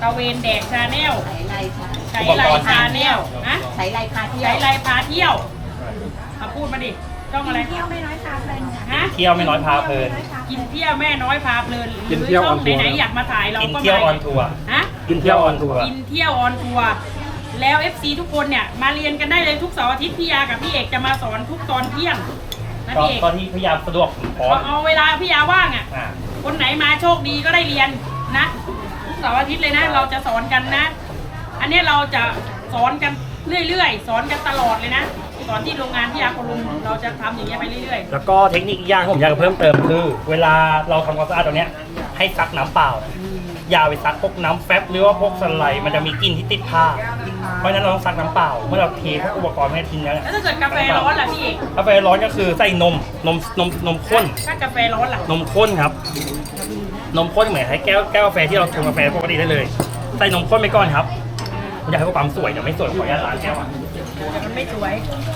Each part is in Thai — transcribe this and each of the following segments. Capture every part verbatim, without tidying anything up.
ตะเวนแดกชาแนลใช้ไรค่ะใช้ไรชาแนลนะใช้ไรพาเที่ยวใช้ไรพาเที่ยวมาพูดมาดิต้องอะไรเที่ยวไม่น้อยพาเพลินฮะเที่ยวไม่น้อยพาเพลินกินเที่ยวแม่น้อยพาเพลินหกิรืนอเที่ยวช่อออง นทัวร์ไหนๆอยากมาถ่ายเรากินก็เที่ยวอมาอนทัวร์ฮะกินเที่ยวออนทัวร์กินเที่ยวออนทัวร์แล้ว เอฟ ซี ทุกคนเนี่ยมาเรียนกันได้เลยทุกเสาร์อาทิตย์พี่ยากับพี่เอกจะมาสอนทุกตอนเที่ยงนะก็พี่เอกก็ที่พยายามสะดวกพร้อมเอาเวลาพี่ยาว่างอ่ะอ่าคนไหนมาโชคดีก็ได้เรียนนะทุกเสาร์อาทิตย์เลยนะ เราจะสอนกันนะ อันนี้เราจะสอนกันเรื่อยๆสอนกันตลอดเลยนะสอนที่โรงงานพี่ยาคนลุงเราจะทำอย่างเงี้ยไปเรื่อยๆแล้วก็เทคนิคอีกอย่างที่ผมอยากจะเพิ่มเติมคือ เวลาเราทำความสะอาดตรงเนี้ยให้ซักน้ำเปล่าอย่าไปซักพวกน้ำแฟบหรือว่าพวกสไลด์มันจะมีกลิ่นที่ติดผ้าเพราะฉะนั้นเราต้องซักน้ำเปล่าเมื่อเราเทพวกอุปกรณ์ไม่ทิ้งแล้วเนี่ยแล้วถ้าเกิดกาแฟร้อนล่ะพี่เอกกาแฟร้อนก็คือใส่นมนมนมนมข้นถ้ากาแฟร้อนล่ะนมข้นครับ นมข้นเหมือนให้แก้วแก้วกาแฟที่เราชงกาแฟปกติได้เลยใส่นมข้นไปก่อนครับอยากให้ความสวยแต่ไม่สวยขออนุญาตล้างแก้วอ่ะแต่มันไม่สวย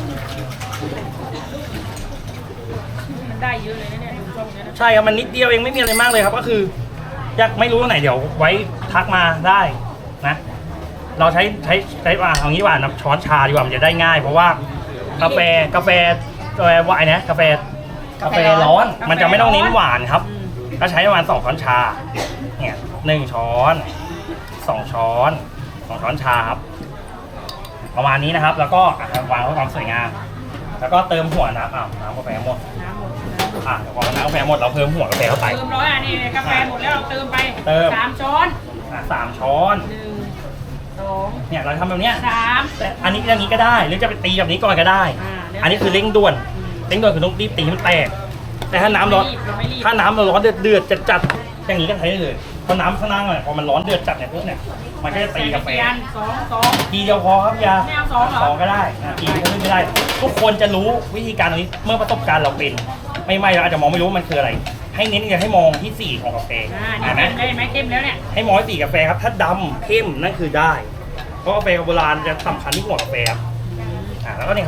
มันได้เยอะเลยนะเนี่ยดูช่องเนี้ยนะใช่ครับมันนิดเดียวเองไม่มีอะไรมากเลยครับก็คืออยากไม่รู้ตรงไหนเดี๋ยวไว้ทักมาได้นะ เราใช้ใช้ใช้อ่าเอางี้ว่านะช้อนชาดีกว่ามันจะได้ง่าย เพราะว่ากาแฟกาแฟกาแฟวายนะกาแฟกาแฟร้อนมันจะไม่ต้องเน้นหวานครับ ก็ใช้ประมาณสองช้อนชาเนี่ยหนึ่งช้อนสองช้อนสองช้อนชาครับประมาณนี้นะครับ แล้วก็อ่ะวางเพื่อความสวยงามแล้วก็เติมหัวน้ำอ่าน้ำกาแฟหมดน้ำหมดอ่ะเดี๋ยวพอน้ำกาแฟหมดเราเพิ่มหัวกาแฟเข้าไปเติมร้อยอ่ะนี่กาแฟหมดแล้วเราเติมไปเติมสามช้อนอ่ะสามช้อนหนึ่งสองเนี่ยเราทำแบบเนี้ยสามแต่อันนี้อย่างนี้ก็ได้หรือจะไปตีแบบนี้ก่อนก็ได้อ่าเดี๋ยวอันนี้คือเร่งด่วนเร่งด่วนคือต้องรีบตีให้มันแตกแต่ถ้าน้ำร้อนเราไม่รีบถ้าน้ำเราร้อนเดือดเดือดจัดจัดๆอย่างนี้ก็ใช้ได้เลยเพราะน้ำข้างล่างเนี่ยพอมันร้อนเดือดจัดเนี่ยพวกเนี่ยมันก็จะตีกาแฟใส่นสองสองทีเดียวพอครับยาไม่เอาสองเหรอสองก็ได้อ่ะทีก็ไม่ได้ ทุกคนจะรู้วิธีการตรงนี้เมื่อประสบการณ์เราเป็น ไม่ไม่เราอาจจะมองไม่รู้ว่ามันคืออะไร ให้เน้นอย่าให้มองที่สีของกาแฟอ่านี่เห็นไหมเข้มได้ไหมเข้มแล้วเนี่ยให้มองที่สีกาแฟครับถ้าดำเข้มนั่นคือได้ เพราะกาแฟโบราณจะสำคัญที่หัวกาแฟครับอ่าแล้วก็นี่ครับ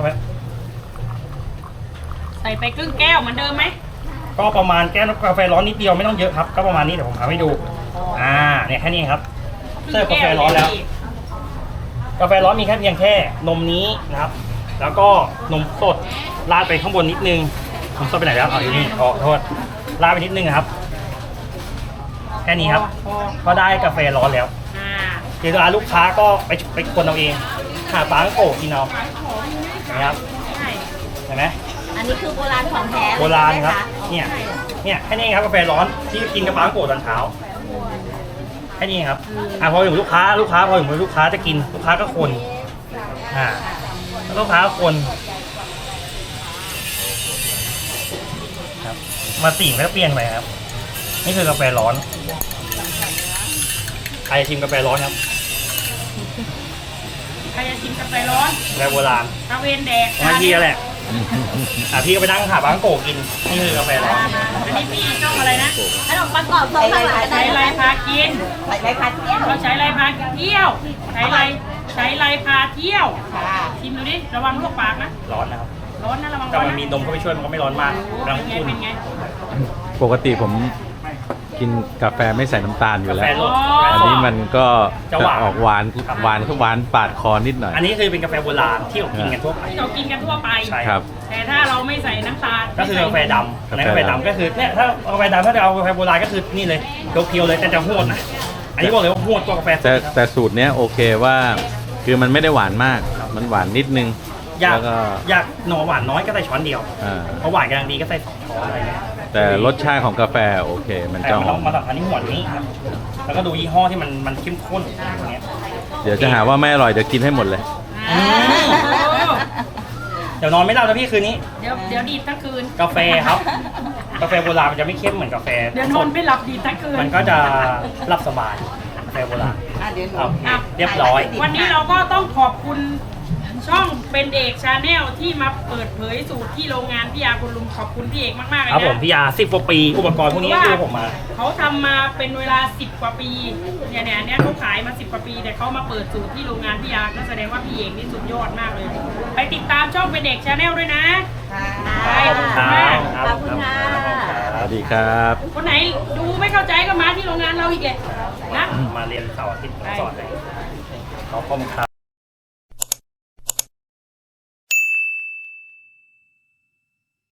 ใส่ไปครึ่งแก้วเหมือนเดิมไหมก็ประมาณแก้วกาแฟร้อนนิดเดียวไม่ต้องเยอะครับก็ประมาณนี้เดี๋ยวผมทำให้ดูอ่าเนี่ยแค่นี้ครับเสิร์ฟกาแฟร้อนแล้ว กาแฟร้อนมีแค่เพียงแค่นมนี้นะครับ แล้วก็นมสดราดไปข้างบนนิดนึงนมสดไปไหนแล้วเอาอยู่นี่ขอโทษราดไปนิดนึงนะครับ แค่นี้ครับพอก็ได้กาแฟร้อนแล้วอ่าเดี๋ยวลูกค้าก็ไปไปคนเอาเองหาปางโกะกินเอาเห็นไหมครับใช่เห็นไหมอันนี้คือโบราณของแท้เลยโบราณครับใช่ไหมะเนี่ยเนี่ยแค่นี้ครับกาแฟร้อนที่กินกับปางโกะตอนเช้าแค่นี้ครับอ่ะพอถึงลูกค้าลูกค้าพอถึงลูกค้าจะกินลูกค้าก็คนอ่าแล้วลูกค้าคนครับมาสีมันก็เปลี่ยนไปครับ นี่คือกาแฟร้อนใครชิมกาแฟร้อนครับใครจะชิมกาแฟร้อนกาแฟโบราณตะเวนแดกบางทีก็แหละอ่ะพี่ก็ไปนั่งหาบางโกะกินนี่คือกาแฟร้อนอันนี้พี่ช่องอะไรนะขนมปังกรอบทรงข้างหลังใช้ไรพากินใส่ไรพาเที่ยวเราใช้ไรพาเที่ยวใช้ไรใช้ไรพาเที่ยวค่ะชิมดูดิระวังลวกปากนะร้อนนะครับร้อนนะระวังแต่ร้อนมันนะมีนมเข้าไปช่วยมันก็ไม่ร้อนมากโอ้กำลังเป็นไงอุ่นเป็นไงปกติผมกินกาแฟไม่ใส่น้ำตาลอยู่กาแล้แฟวรสอันนี้มันก็จะจะหวานออกหวานหวานคือหวานปาดคอนิดหน่อยอันนี้คือเป็นกาแฟโบราณที่เรากินกันทั่วไปที่เรากินกันทั่วไปใช่ครับแต่ถ้าเราไม่ใส่น้ำตาลก็คือกาแฟดำกาแฟดำในกาแฟดำก็คือเนี่ยถ้ากาแฟดำถ้าจะเอากาแฟโบราณก็คือนี่เลยเพียวๆเลยแต่จะโหดนะอันนี้บอกเลยว่าโหดกว่ากาแฟสดแต่ครับแต่สูตรเนี้ยโอเคว่าคือมันไม่ได้หวานมาก มันหวานนิดนึงอยากแล้วก็อยากหน่อหวานน้อยก็ใส่ช้อนเดียวอ่าเพราะหวานกำลังดีก็ใส่สองช้อนอะไรเงี้ยแต่รสชาติของกาแฟโอเค มันแต่จะมันหต้อองมมาสำคัญที่หัวนี้ครับแล้วก็ดูยี่ห้อที่มันมันเข้มข้นอย่างเงี้ยเดี๋ยวจะหาว่าไม่อร่อยจะกินให้หมดเลยอ่าอืม เดี๋ยวนอนไม่หลับนะพี่คืนนี้เดี๋ยวเดี๋ยวดีดทั้งคืนกาแฟครับ กาแฟโบราณมันจะไม่เข้มเหมือนกาแฟเดี๋ยวนอนไม่หลับดีดทั้งคืนมันก็จะหลับสบายกาแฟโบราณอ่ะเดี๋ยวหนูครับอ่ะเรียบร้อยวันนี้เราก็ต้องขอบคุณช่องเป็นเอกชาแนลที่มาเปิดเผยสูตรที่โรงงานพี่ยาคุณลุงขอบคุณพี่เอกมากๆเลยครับผมนะพี่ยาสิบกว่าปีอุปกรณ์พวกนี้คือผมมาเขาทำมาเป็นเวลาสิบกว่าปีเนี่ยเนี่ยเนี่ยเขาขายมาสิบกว่าปีแต่เขามาเปิดสูตรที่โรงงานพี่ยาก็แสดงว่าพี่เอกนี่สุดยอดมากเลย ไปติดตามช่องเป็นเอกชาแนลด้วยนะค่ะไปขอบคุณมากขอบคุณค่ะสวัสดีครับคนไหนดูไม่เข้าใจก็มาที่โรงงานเราอีกเลยนะมาเรียนเสาร์อาทิตย์ผมสอนให้ขอบคุณครับ